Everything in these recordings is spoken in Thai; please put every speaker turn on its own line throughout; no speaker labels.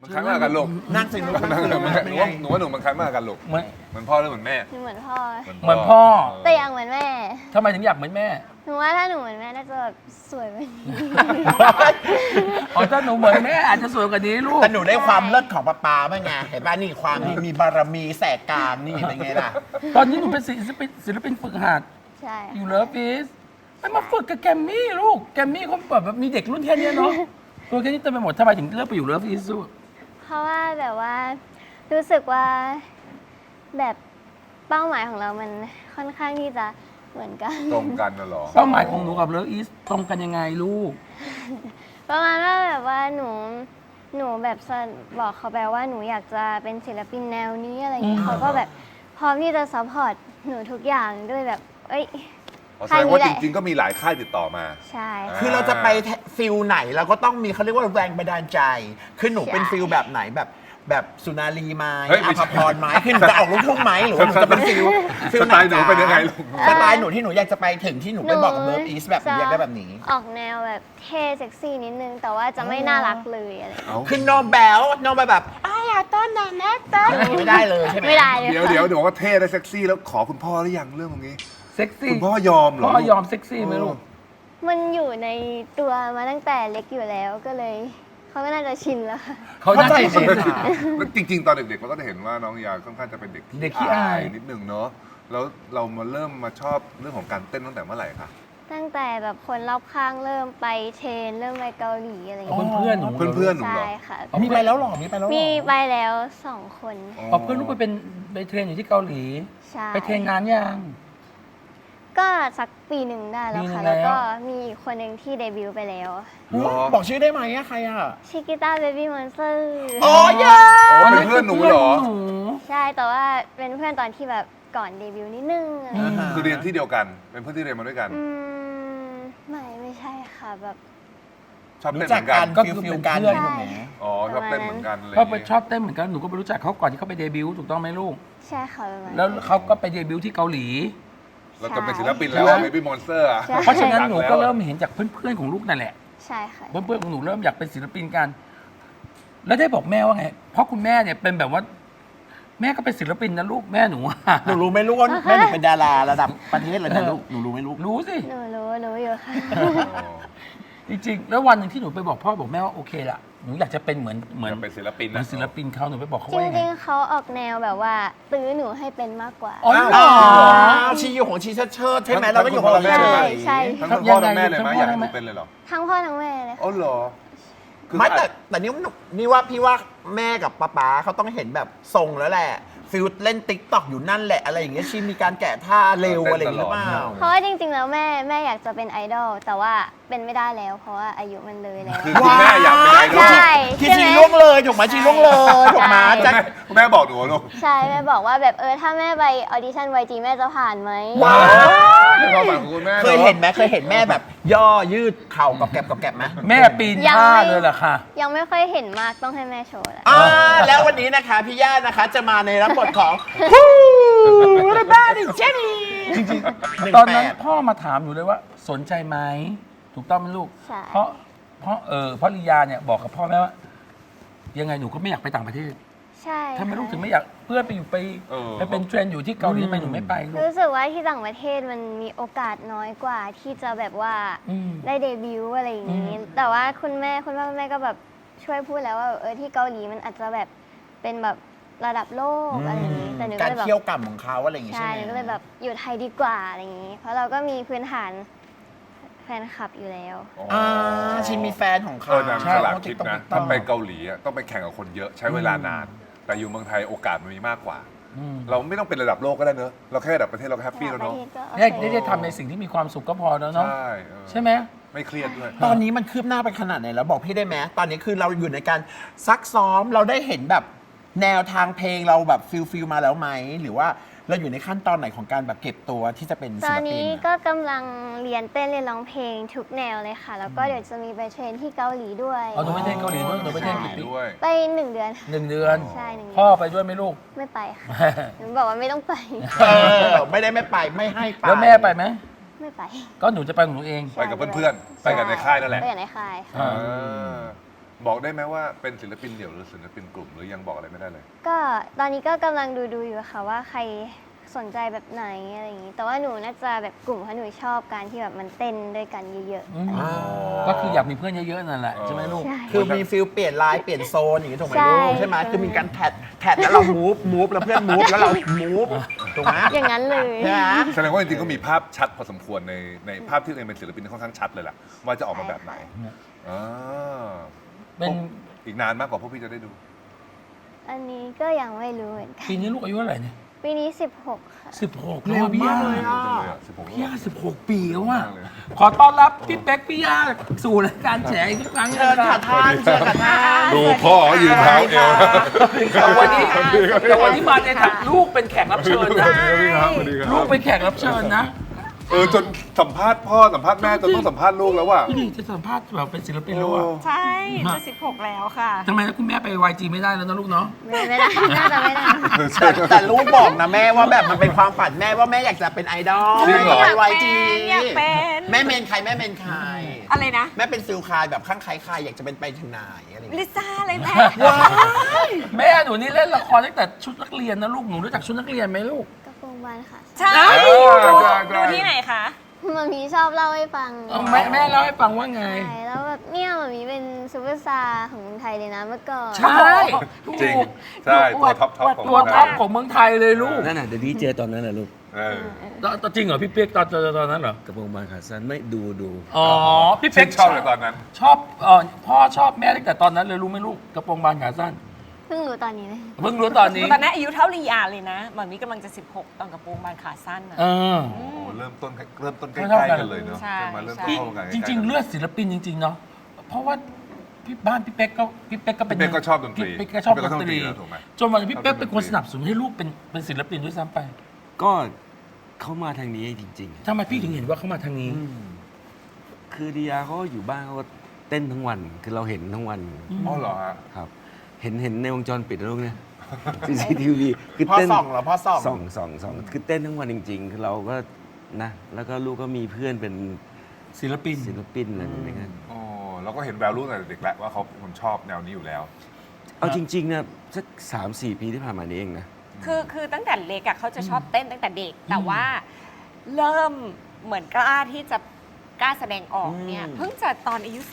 มันคล้ายมากกันลูก
นั่งสิลูก
นั่งเลยมันหนูว่าหนูมันคล้ายมากกันลูก
เหมือน
เหมือนพ่อหรือเหมือนแม่
หนูเหมือนพ่อ
เหมือนพ่อ
แต่ยังเหมือนแม่
ทำไมถึงอยากเหมือนแม่
หนูว่าถ้าหนูเหมือนแม่น่าจะแบบสวยกว่านี้
อ๋อถ้าหนูเหมือนแม่อาจจะสวยกว่านี้ลูก
แต่หนูได้ความเลิศของป๊าป๊าบ้างไงเห็นป่ะนี่ความมีบารมีแสกกลางนี่เป็นไงล่ะ
ตอนนี้หนูเป็นศิลปินฝึกหัด
ใช่
อยู่เลิฟอีสไม่มาฝึกกับแกมมี่ลูก แกมมี่เขาแบบมีเด็กรุ่นแค่เนี้ยเนาะ ตัวแค่นี้เต็มไปหมดทำไมถึงเลือกไปอยู่เลิฟอีสลูก
เพราะว่าแบบว่ารู้สึกว่าแบบเป้าหมายของเรามันค่อนข้างที่จะเหมือนกัน
ตรงกันน่ะเหรอ
เป้าหมายของหนูกับเลิฟอีสตรงกันยังไงลูก
ประมาณว่าแบบว่าหนูแบบบอกเขาไปว่าหนูอยากจะเป็นศิลปินแนวนี้อะไรอย่างเงี้ยเขาก็แบบพร้อมที่จะซัพพอร์ตหนูทุกอย่างด้วยแบบ เอ้ย
แสดงว่าจริงๆก็มีหลายค่ายติดต่อมา
ใช่
คือเราจะไปฟิลไหนเราก็ต้องมีเขาเรียกว่าแรงบันดาลใจ คือหนูเป็นฟิลแบบไหนแบบสุนารีไหม้
เฮ้ย
อ
ไม่ใช่
ภพรไหม้คือหนูจะออกลูกทุ่งไหมหรือว่าหนูจะเป็นฟิล
สไตล์หนูเป็นยังไงลูก
สไตล์หนูที่หนูอยากจะไปถึงที่หนูไปบอกกับเลิฟอีสแบบหนูอยากได้แบบนี้
ออกแนวแบบเท่เซ็กซี่นิดนึง แต่ว่าจะไม่น่ารักเลยอะไรอย่างเงี้ย
เอ้า
คือโนแบลโนแบบอ้ายาต้นนะแม่ต้นไม่ได้เลยใช่ไหม
ไม่ได้เลย
เดี๋ยวบอกว่าเท่และเซ็กซี่แล้วขอคุณพ่อหรือยังเรื่องตรงนี้
เซ็กซี่
คุณพ่อยอมเหรอ
พ่อยอมเซ็กซี่ไหมลูก
มันอยู่ในตัวมาตั้งแต่เล็กอยู่แล้วก็เลยเขาก็น่าจะชินแล้วค่ะ
เขาน่าจะ
เข้าใจ
ชิน
ค่ะ
แล้วจริง ๆ ตอนเด็กๆเราก็จะเห็นว่าน้องยาค่อนข้างจะเป็นเด็ก
เด็กขี้อาย
นิดนึงเนาะแล้วเรามาเริ่มมาชอบเรื่องของการเต้นตั้งแต่เมื่อไหร่คะ
ตั้งแต่แบบคนรอบข้างเริ่มไปเทรนเริ่มไปเกาหลีอะไรอย่าง
เพื่
เงี้ย
อนเพื่อนๆหนู
เพื่อนๆหนูเหร
ใช่
อ
ค่ะ
มีไปแล้วหรอมีไปแล้วหรอ
มีไปแล้ว2 คน
เอาเพื่อนลูกไปเทรนอยู่ที่เกาหลี
ใช่
ไปเทรนงานยัง
ก็สักปีหนึ่งได้แล้ว
ปีหนึ่
ค่ะ
ง
แล้วก็
แล้ว
มีอีกคนหนึ่งที่เดบิวต์ไปแล้ว
เหรอ
บอกชื่อได้ไหมอะใครอะ
ชิกิต้าเบบี้มอนสเตอร์
โอ้ย
อ๋อเป็นเพื่อนหนูเหรอ
หนู
ใช่แต่ว่าเป็นเพื่อนตอนที่แบบก่อนเดบิวต์นิดนึงอะไรอย่างเงี้ย
คือเรียนที่เดียวกัน เป็นเพื่อนที่เรียนมาด้วยกัน
ไม่ใช่ค่ะแบบ
ชอบ
รู้
เต้น
จั
เห
ก
มือน
กั
กัน น
ฟิลกัน
ใช่
ถูกไหม
อ๋อชอบเต้นเหมือนกันเลย
เขาไปชอบเต้นเหมือนกันหนูก็ไปรู้จักเขาก่อนที่เขาไปเดบิวต์ถูกต้องไหมลูก
ใช่ค่ะประมาณ
แล้วเขาก็ไปเดบิวต์ที่เกาหลี
แล้วก็เป็นศิลปินแล้ว Baby Monster อะ
ใช่
เพราะฉะนั้นหนูก็เริ่มเห็นจากเพื่อนๆของลูกนั่นแหละ
ใช่ค่ะ
เพื่อนๆของหนูเริ่มอยากเป็นศิลปินกัน แล้วได้บอกแม่ว่าไง เพราะคุณแม่เนี่ยเป็นแบบว่า แม่ก็เป็นศิลปินนะลูกแม่หนู
หนูรู้ไหมลูกว่าแม่หนูเป็นดาราระดับประเทศเลยนะลูกหนูรู้ไหมลูก
รู้สิ
หนูรู้อยู่ค่ะ
จริงๆ แล้ววันหนึ่งที่หนูไปบอกพ่อบอกแม่ว่าโอเคละหนูอยากจะเป็นเหมือน
อยากเป็นศิลปิน
เหมือ
นะ
นศิลปินเขาหนูไปบอกเขา
จ
ว่ายังไง
ริงๆเขาออกแนวแบบว่าตื้อหนูให้เป็นมากกว่า
อ๋อเหร
อ๋
อ
อชีอยู่ของชีเชิดใช่ไหมเราก็อยู่ของเรา
แม่
เฉ
เลย
ย
ใช่
ทั้งพ่อทั้งแม่เลยไหมอยากให้หนูเป็นเลยเหรอ
ทั้งพ่อทั้งแม่เลย
อ๋อเหรอคือ
ไม่แต่นี่ว่าพี่ว่าแม่กับป๊าเขาต้องเห็นแบบทรงแล้วแหละฟิลเล่นติ๊กต็อกอยู่นั่นแหละอะไรอย่างเงี้ยชีมีการแกะท่าเร็วอะไรอย่างเงี้ยหรือเปล่า
เพราะว่าจริงๆแล้วแม่อยากจะเป็นไอดอลแต่ว่าเป็นไม่ได้แล้วเพราะว่าอายุมันเลยแล้ว
คือคุณแม่อยากเป็นไอดอล
ใช่
ที่
ใช่
ชี
ไหม
ล่วงเลยถูกไหมชีล่วงเลยถูกไหม
ใช่
จะ
แม่บอกหนูลูก
ใช่แม่บอกว่าแบบถ้าแม่ไปออดิชั่น YG แม่จะผ่านไหม
ว้าว
ในความฝันของคุณแม่
เคยเห็นไหมเคยเห็นแม่แบบย่อยืดเข่ากับแกบไหม
แม่ปีนท่าเลยเหรอคะ
ยังไม่ค่อยเห็นมากต้องให้แม่โชว์แหละ
แล้ววันนี้นะคะพี่ย่านะคะจะมาในรับบทของระบ้าดิเจนี่
จริง
18
ๆ ตอนนั้นพ่อมาถามหนูเลยว่าสนใจไหมถูกต้องไหมลูก
ใช่
เพราะลียาเนี่ยบอกกับพ่อแม่ว่า ยังไงหนูก็ไม่อยากไปต่างประเทศ
ใช่
ถ้าไม่ลูกถึงไม่อยากเพื่อนไปอยู่ไปเป็นเทรนด์อยู่ที่เกาหลีทำไมหนูไม่ไปลูก
รู้สึกว่าที่ต่างประเทศมันมีโอกาสน้อยกว่าที่จะแบบว่า
อืม
ได้เดบิวต์อะไรอย่างนี้ แต่ว่าคุณพ่อคุณแม่ก็แบบช่วยพูดแล้วว่าที่เกาหลีมันอาจจะแบบเป็นแบบระดับโลกอะไรอย่างนี้แต่หนูก็
การ
เลยแบบ
เที่ยวกรรมของเขาอะไรอย่างงี้
ใช่
ใช่ไหม
หนูก็เลยแบบอยู่ไทยดีกว่าอะไรอย่างนี้ เพราะเราก็มีพื้นฐานแฟนคลับอยู่แล้ว
ชินมีแฟนของเขา
นางฉลาดคิดนะถ้าไปเกาหลีอะต้องไปแข่งกับคนเยอะใช้เวลานาน แต่อยู่เมืองไทยโอกาสมันมีมากกว่า
อืม
เราไม่ต้องเป็นระดับโลกก็ได้เนอะเราแค่ระดับประเทศเราก็แฮปปี้แล้วเนาะ
ได้ทำในสิ่งที่มีความสุขก็พอแล้วเนาะ
ใช่
ใช่ไหม
ไม่เครียดด้วย
ตอนนี้มันคืบหน้าไปขนาดไหนแล้วบอกพี่ได้ไหมตอนนี้คือเราอยู่ในการซักซ้อมเราได้เห็นแบบแนวทางเพลงเราแบบฟิลมาแล้วไหมหรือว่าเราอยู่ในขั้นตอนไหนของการแบบเก็บตัวที่จะเป็น
ต
ศิ
อน
ลปิ
นี้
น
ก็กำลังเรียนเต้นเรียนร้องเพลงทุกแนวเลยค่ะ แล้วก็เดี๋ยวจะมีไปเทรนที่เกาหลีด้วย
เอาหนูไปเทรนเกาหลีด้วยหนูไปเทรนกี่ปี
ด้วย
ไป1 เดือน
1 เดือน
ใช่1 เดือน
พ่อไปด้วยไหมลูก
ไม่ไปค่ะหนูบอกว่าไม่ต้องไป
ไม่ได้ไม่ไปไม่ให้ไป
แล้วแม่ไปไหม
ไม่ไป
ก็หนูจะไปของหนูเอง
ไปกับเพื่อนๆไปกันในค่ายนั่นแหละ
ไปอย่างในค่ายค่ะ
อ่า
เออบอกได้ไหมว่าเป็นศิลปินเดี่ยวหรือศิลปินกลุ่มหรือยังบอกอะไรไม่ได้เลย
ก็ตอนนี้ก็กำลังดูอยู่ค่ะว่าใครสนใจแบบไหนอะไรอย่างนี้ แต่ว่าหนูน่าจะแบบกลุ่มเพราะหนูชอบการที่แบบมันเต้นด้วยกันเยอะ
อืมก็คืออยากมีเพื่อนเยอะๆนั่นแหละใช่ไหมลูก
ๆใช่
คือมีฟิลเปลี่ยนไลน์เปลี่ยนโซนอย่างนี้ถูกไหม
ใช่
ลูกใช่ไหมคือมีการแท็ดแล้วเรามูฟแล้วเพื่อนมูฟแล้วเรามูฟถูกไหม
อย่างนั้นเลย
ใช่ไหม
แสดงว่าจริงๆก็มีภาพชัดพอสมควรในภาพที่ตัวเองเป็นศิลปินค่อนข้างชัดเลยแหละว่าจะออกมาแบบไหนอ่า
เป็น
อีกนานมากกว่าพวกพี่จะได้ดู
อันนี้ก็ยังไม่รู้เหมือนกัน
ปีนี้ลูกอายุเท่าไหร่เนี่ย
ปีนี้ 16 ค่ะ
16
เร็วมากเลยอ่ะ
พี่ย่า16 ปีแล้วว่ะขอต้อนรับพี่เป๊กพี่ย่าสู่รายการแฉอีกครั้งหนึ
เชิ
ง
ญค่ะท่านเชิญค่ะท่าน
ดูพ่อเขายืนเท้าเอว
แต่วันนี้มาในฐานะลูกเป็นแขกรับเชิญนะ
สวัสดีครับสวัสดีครับ
ลูกเป็นแขกรับเชิญนะ
จนสัมภาษณ์พ่อสัมภาษณ์แม่จนต้องสัมภาษณ์ลูกแล้วว่ะ
พี่ดีจะสัมภาษณ์แบบเป็นศิลปินแล้วอ่ะ
ใช่จะ16 แล้วค่ะ
ทำไมคุณแม่ไป YG ไม่ได้แล้วนะลูกเนาะ
ไม่ได้ น่าจะไม่ได้
แต่ลูกบอกนะแม่ว่าแบบมันเป็นความฝันแม่ว่าแม่อยากจะเป็นไอดอล
จริงเหรอ
ไปไวจี
อยากเป็น
แม่เมนใครแม่เมนใคร
อะไรนะ
แม่เป็นซิลคายแบบข้างใครใครอยากจะเป็นไปถึงไหนอะไรอย่าง
ลิ
เงี้ย
ซ่าเลยแม่
ว้าย
แม่หนูนี่เล่นละครตั้งแต่ชุดนักเรียนนะลูกหนูรู้จักชุดนักเรียนไหมลูก
กระโปรงบานค่ะ
ใช่
เออได้ได้
ดูที่ไหนคะ
มัมมี่ชอบเล่าให้ฟัง
แม่เล่าให้ฟังว่าไง
ใช่แล้วแบบเนี่ยมัมมี่เป็นซูเปอร์สตาร์ของเมืองไทยเลยนะเมื่อก่อน
ใช่ถู
จริง
ก
ใช่ตัวท็อปของ
ตัวท็อปของเมืองไทยเลยลูก
นั่นน่ะเดี๋ยวนี้เจอตอนนั้นแหละลูก
เออ
ตอนจริงเหรอพี่เป๊กตอนเจอตอนนั้นเหรอก
ระโปรงบานขาสั้นไม่ดู
อ๋อพี่
ชื่
เป๊ก
นชอบเลยตอนนั้น
ชอบพ่อชอบแม่ตั้งแต่ตอนนั้นเลยรู้ไหมลูกกระโปรงบานขาสั้น
เพิ่งรู้ตอนนี้เลย
เพิ่งรู้ตอนนี้
ตอนนั้นอายุเท่าลียาเลยนะหมอนมีกำลังจะ 16 ตอนกระโปรงบานขาสั้นนะ
เออ
โอ้เริ่มต้นใก
เท่า
ล้
กัน
ๆกันเลยเนอะ
ใช่
มาเริ่มต้น
พี่
เข้ากัน
จริง ๆ เลือดศิลปินจริง ๆ เนาะเพราะว่าบ้านพี่เป๊กก็เป็น
พี่เป๊กก็ชอบดนตรี
พี่เป๊กก็ชอบดนตรี
แล้วถูกไหม
จนวันนี้พี่เป๊กเป็นคนสนับสนุนให้ลูกเป็นศิลปินด้วยซ้ำไป
ๆ ก็เขามาทางนี้จริง
ทำไมพี่ถึงเห็นว่าเขามาทางนี้
ๆ คือดียาเขาอยู่บ้านเขาก็เต้นทั้งวัน คือเราเห็นทั้งวัน
อ๋อเหรอฮะ
ครับ เห็นในวงจรปิดนะลูกเนี่ย CCTV คือ
พ่อ
เต้น
ส่องเหรอพ่อส่อง
ส่องคือเต้นทั้งวันจริง ๆ คือเราก็นะ แล้วก็ลูกก็มีเพื่อนเป็น
ศิลปิน
ศิลปินอะไรอย่างเงี้ย
อ๋อเราก็เห็นแววลูกตั้งแต่เด็กแล้วว่าเขาเป็นคนชอบแนวนี้อยู่แล้ว
เอาจริงๆนะสัก3-4 ปีที่ผ่านมานี้เองนะ
คือตั้งแต่เล็กอะเขาจะชอบเต้นตั้งแต่เด็ก แต่ว่าเริ่มเหมือนกล้าที่จะกล้าแสดงออกเนี่ย เพิ่งจะตอนอายุ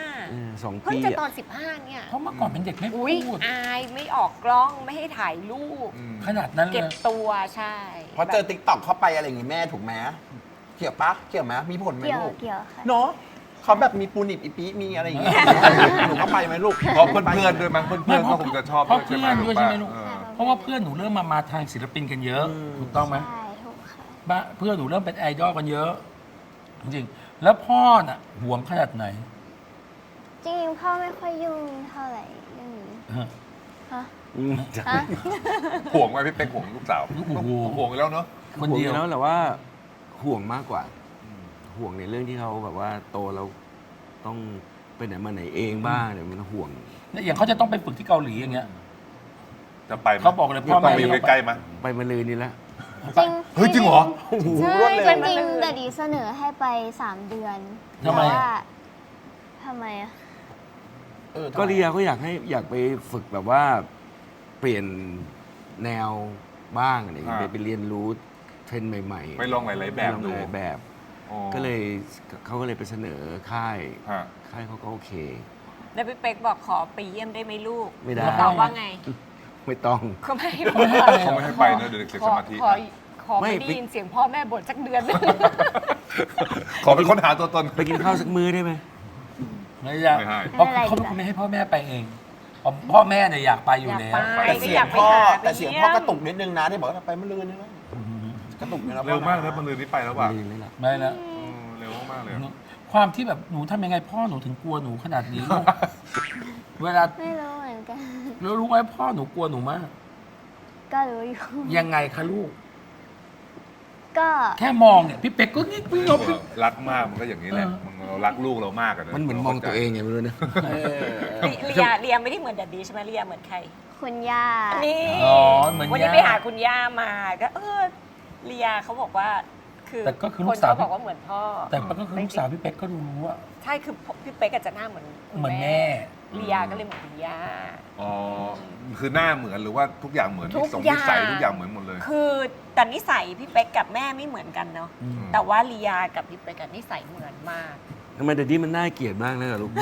2
15 เพิ่ง
ปี
จะตอ
อะ
น 15 เนี่ย
เพราะเมื่อก่อนเป็นเด็กไม่พู
อุ้ย
ด
อายไม่ออกกล้องไม่ให้ถ่ายรูป
ขนาดนั้นเล
เก็บ
ย
ตัวใช่
พอเจอติ๊กต็อกเข้าไปอะไรอย่างงี้แม่ถูกไหมเกี่ยวปะเกี่ยวไหมมีผลไหม
เกี่ยว
ลูก
เกี่ยวค่ะ
เนาะเขาแบบมีปูนิบอีปีมีอะไรอย่างเงี้ยหนูเข้าไปไหมลูก
เพราะเพื่อนๆด้วยมั้งเพื่อนๆก็คงจะชอบ
เพราะ
ด้วยใช่
เพื่
ไหม
อนด้วยใช่ไหมลูก
เออ
เพราะว่าเพื่อนหนูเริ่มมาทางศิลปินกันเยอะ ถูกต้องไหม
ใช่ถูกค่ะ
บ้านเพื่อนหนูเริ่มเป็นไอดอลกันเยอะ จริงๆ แล้วพ่อน่ะหวงขนาดไหน
จริงๆพ่อไม่ค่อยยุ่งเท่าไหร่เรื่องนี้
ฮะ
ฮะ
จ้ะ
ฮะ
ห่วงไหมพี่เป๊กห่วงลูกสาว
โอ้โห
ห่วงอยู่แล้วเนาะ
คน
ห่วง
เดี
อ
ยว
แล้วแหละว่าห่วงมากกว่า ห่วงในเรื่องที่เขาแบบว่าโตแล้วต้องไปไหนมาไหนเองบ้างเนี่ยมันห่วง
เนี่ยอย่างเขาจะต้องไปฝึกที่เกาหลีอย่างเงี้ย
จะไปไหม
เขาบอกเลยพ่อแม่
ไปอยู่ใกล้ๆไหม
ไปมาเลยนี่แหละ
จริง
เฮ้ยจริงเหรอ
ใช่
รวดเร็ว
จริงๆแต่ดีเสนอให้ไป 3 เดือน
ทำไม
แต่
อะ
ว่าทำไมอะ
ก็เรียก็อยากไปฝึกแบบว่าเปลี่ยนแนวบ้างอะไรอย่างเงี้ย
อ่า
ไปเรียนรู้เทรนด์ใหม่ๆ
ไปลองหลายๆแบบ
ไปลอง
ดู
หลายๆแบบ
อ๋อ
ก็เลยเขาก็เลยไปเสนอค่าย
ฮะ
ค่ายเขาก็โอเค
แล้วพี่เป๊กบอกขอไปเยี่ยมได้ไหมลูก
ไม่ได้
ตอบว่าไง
ไม่ต้อง
เขาไม่
เขาไม่ให้
เขาไม่ให้ไปเนอะเดี๋ยวเด็กเสีย
ข
ส
อ
มาธิ
ขอขอ
ไม่
ไม่ได้ยินเสียงพ่อแม่บ่นสักเดือน
ขอเป็นค้นหาตัวตน
ไปกินข้าวสักมื้อได้ไหม
ไม่อยาก
ไม่ให้
เพราะเขาไม่ให้พ่อแม่ไปเองพ่อแม่เนี่ยอยากไปอยู่แล้ว
อยากไป
แต่เสียงพ่อแต่เสียงพ่อกระตุกนิดนึงนะที่บอกว่าไปมะรืนนี่นะกระตุกนี่นะ
เร็วมากนะมันลืนนี้ไปแล้วว่ะ
ลืมเลยล่ะ
ไม่แล้ว
เร็วมากเลยอะ
ความที่แบบหนูทำยังไงพ่อหนูถึงกลัวหนูขนาดนี้ลูก เวลา
ไม่รู้เหมือนกัน
แล้วรู้ไหมพ่อหนูกลัวหนูมาก
ก็รู้อยู่
ยังไงคะลูก
ก็
แค่มองเนี่ยพี่เป็กก็งิกพี่งบ
รักมากมันก็อย่างนี้แหละ
เออ
มันเรารักลูกเรามากอะะ
มันเหมือนมองตัวเองไงไม่รู้นะ
เลียไม่ได้เหมือนแดดดี้ใช่ไหมเลียเหมือนใคร
คุณย่า
นี่
อ๋อเหมือน
วันนี้
ย่า
ไปหาคุณย่ามาก็เลียเขาบอกว่า คือ
แต่ก็คือลู
ค
ก
น
สาว
เขาบอกว่าเหมือนพ่อ
แต่ก็คือลูกสาวพี่เป็กก็รู้ว่า
ใช่คือพี่เป๊กอาจจะหน้าเหมือนคุณ
เหมือนแม่
ลียาก็เลยเหมือนคุณย่า
อ๋อคือหน้าเหมือนหรือว่าทุกอย่างเหมือน
ทุก
นิ
อย่าง
สัยทุกอย่างเหมือนหมดเลย
คือแต่นิสัยพี่เป๊กกับแม่ไม่เหมือนกันเนาะ
ม
แต่ว่าลียากับพี่เป๊กกับนิสัยเหมือนมาก
ทำไมเดี๋ยวนี้มันน่าเกลียดมากเลยเหรอลูก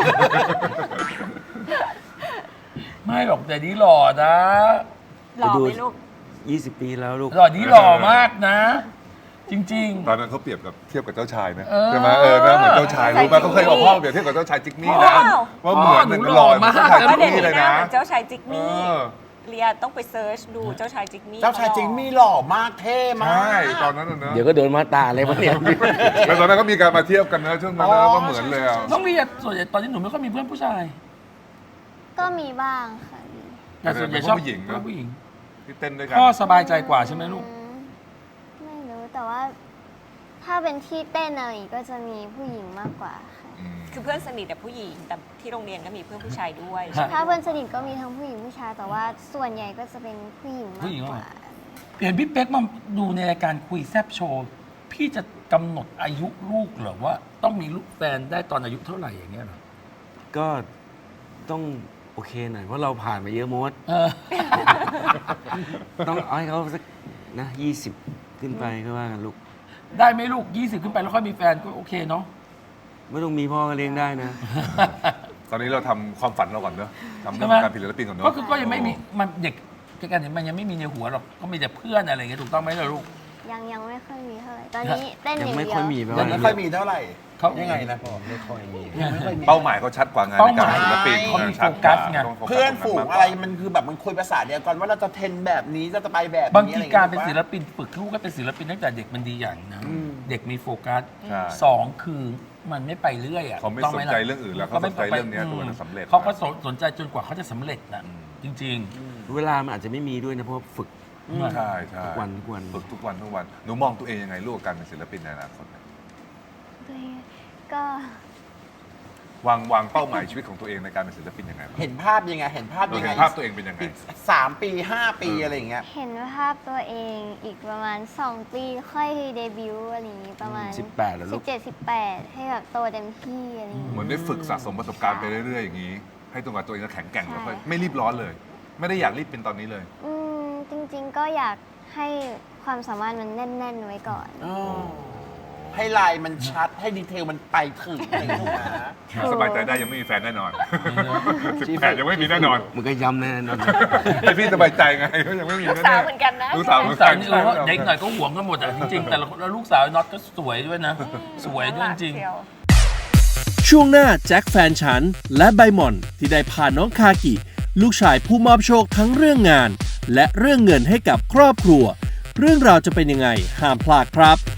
ไม่หรอกแต่นี้หล่อนะ
หล่อไหมลูก
20 ปีแล้วลูก
หล่อนี้หล่อมากนะ จริง
ตอนนั้นเขาเปรียบกับเทียบกับเจ้าชายนะ
เออ
ใช่ไหมหน้าเหมือนเจ้าชายรู้ป่ะเขาเคยเอาพ่อเปรียบเทียบกับเจ้าชายจิกมี่นะ
ว้าว
ว่าเหมือน
หนู
หนึ่ง
หล่
หล่
อ
อเหมือนเจ้าชาย
มาก
จิก
ว่าเด็ก
มี่
นี่
เลย
หน้า
นะ
เหมือนเจ้าชายจิก
เอ
มี่
อ
เลียต้องไปเซิร์ชดูเจ้าชายจิกมี่
เจ้าชายจริงมีหล่อมากเท่มาก
ใช่ตอนนั้นน่ะเนอะ
เดี๋ยวก็โดนมาตาอะไรวะเนี่ย
แล้วตอนนั้นก็มีการมาเทียบกันนะช่วงนั้นนะ
อ๋อ
ว่าเหมือนเลยอ่ะ
ๆ ต้องเรียนส่วนใหญ่ตอนนี้หนูไม่ค่อยมีเพื่อนผู้ชาย
ก็มีบ้างค่ะ
แต่ส่วนใหญ่ชอบ
ผู้หญิงเนอะ
ผู้หญิง
ที่เต้นด้วยกัน
พ่อสบายใจกว่าใช่ไหมลูก
ไม่รู้แต่ว่า ถ้าเป็นที่เต้นอะไรอย่างงี้ก็จะมีผู้หญิงมากกว่าค่ะ
อืม
คือเพื่อนสนิทแต่ผู้หญิง แต่ที่โรงเรียนก็มีเพื่อนผู้ชายด้วย
ฮะ
ถ้าเพื่อนสนิทก็มีทั้งผู้หญิงผู้ชาย แต่ว่าส่วนใหญ่ก็จะเป็นผู้หญิงมากกว่า
เห็นพี่เป๊กมาดูในรายการคุยแซบโชว์ พี่จะกำหนดอายุลูกเหรอว่า ต้องมีลูกแฟนได้ตอนอายุเท่าไหร่อย่างเงี้ยเหรอ
ก็ต้องโอเคหน่อย เพราะเราผ่านมาเยอะมด
เออ
ต้องเอาให้เขาสักนะ20 ขึ้นไปก็ว่ากันลูก
ได้ไหมลูก 20 ขึ้นไปแล้วค่อยมีแฟนก็โอเคเนาะ
ไม่ต้องมีพ่อก็เลี้ยงได้นะ
ตอนนี้เราทำความฝันเราก่อนเนอะทำเรื่
ใช่
อง
ไหม
การผลิตศิลปินก่อนเนอะ
ก็คือก็ยังไม่มีมันเด็กกันเนี่ยมันยังไม่มีในหัวหรอกก็มีแต่เพื่อนอะไรอย่างเงี้ยถูกต้องไหมล่ะลูก
ยังไม่ค่อยมีเท่าไหร่ ตอนนี้เต้นอ
ยัง
ย่าง
ไม่
เดี
ค่
ย
อ
วย
มีแปล
ยั
ว่าง
ไม่ค่อยมีเท่าไหร่
เขา
ยังไงนะพ่อ
ไม่ค่อยมี
ยังไม่ค่อยมี
เป้าหมายเขาชัดกว่างานในการเป็นศิลปิน
เขามี
ชัด
โฟกัสไง
ต้องโฟกัส
เพื่อนฝูงอะไร
ตง
มันคือแบบมันคุยภาษาเดียวกันว่าเราจะเทรนแบบนี้จะไปแบบนี้
บางที
อะไอย่
การเป็น
ย
ศิลปินฝึกลูกให้เป็นศิลปินตั้งแต่เด็กมันดีอย่างนะ
อืม
เด็กมีโฟกัส
ใช่
สองคือมันไม่ไปเรื่อยอ่ะ
เขาไม่
ถูกต้
สนใจเรื่องอื่นแล้วเขาสนใจเรื่องเนี้ยตัวมันสำเร็จ
เขาก็สนใจจนกว่าเขาจะสำเร็จนะจริง
เวลามันอาจจะไม่มีด้วยนะ เพราะฝึก
ๆ
ใช่ใช่
ทุกวัน
ฝึกทุกวันทุกวันหนูมองตัวเองยังไงลูกกับการเป็นศิลปินในอนาคตเนี่ย
ก็
วางเป้าหมายชีวิตของตัวเองในการเป็นศิลปินยังไงบ้าง
เห็นภาพยังไงเห็นภาพ
เรา
ยัง
เห็
ไง
นภาพตัวเองเป็นยังไง
อีก3 ปี 5 ปีอะไรอย่างเงี้ย
เห็นภาพตัวเองอีกประมาณ 2 ปีค่อยเดบิวต์อะไรอย่างงี้ประมาณ
18แล้วลูก
17-18 ให้แบบโตเต็มที่อะไรอย่างงี้
เหมือนได้ฝึกสะสมประสบการณ์ไปเรื่อยๆอย่างนี้ ให้ตัวกับตัวเองก็แข็งแกร่งแล้วค่อยไม่รีบร้อนเลย ไม่ได้อยากรีบเป็นตอนนี้เลย
จริงๆก็อยากให้ความสามารถมันแน่น ๆ ไว้ก่อน
ให้ลายมันชัดให้ดีเทลมันไปถึงอะไรอย่างเงี้ยนะ
สบายใจได้ยังไม่มีแฟนแน่นอน18ยังไม่มีแน่นอน
มันก็ย้ำแน่นอน
ให้พี่สบายใจไงก็ยังไม่มี
ลูก
แน่
สาวเหมือนกันนะ
ลูกสาวเหมื
ลู
อน
กสา
กั
วน นี่เด็กหน่อยก็หวงกันหมดอ่ะจริงๆแต่แล้วลูกสาวน็อตก็สวยด้วยนะ สวยด้วยจริง
เชียว
ช่วงหน้าแจ็คแฟนฉัน และใบหม่อนที่ได้พาน้องคากิ ลูกชายผู้มอบโชคทั้งเรื่องงาน และเรื่องเงินให้กับครอบครัว เรื่องราวจะเป็นยังไงห้ามพลาดครับ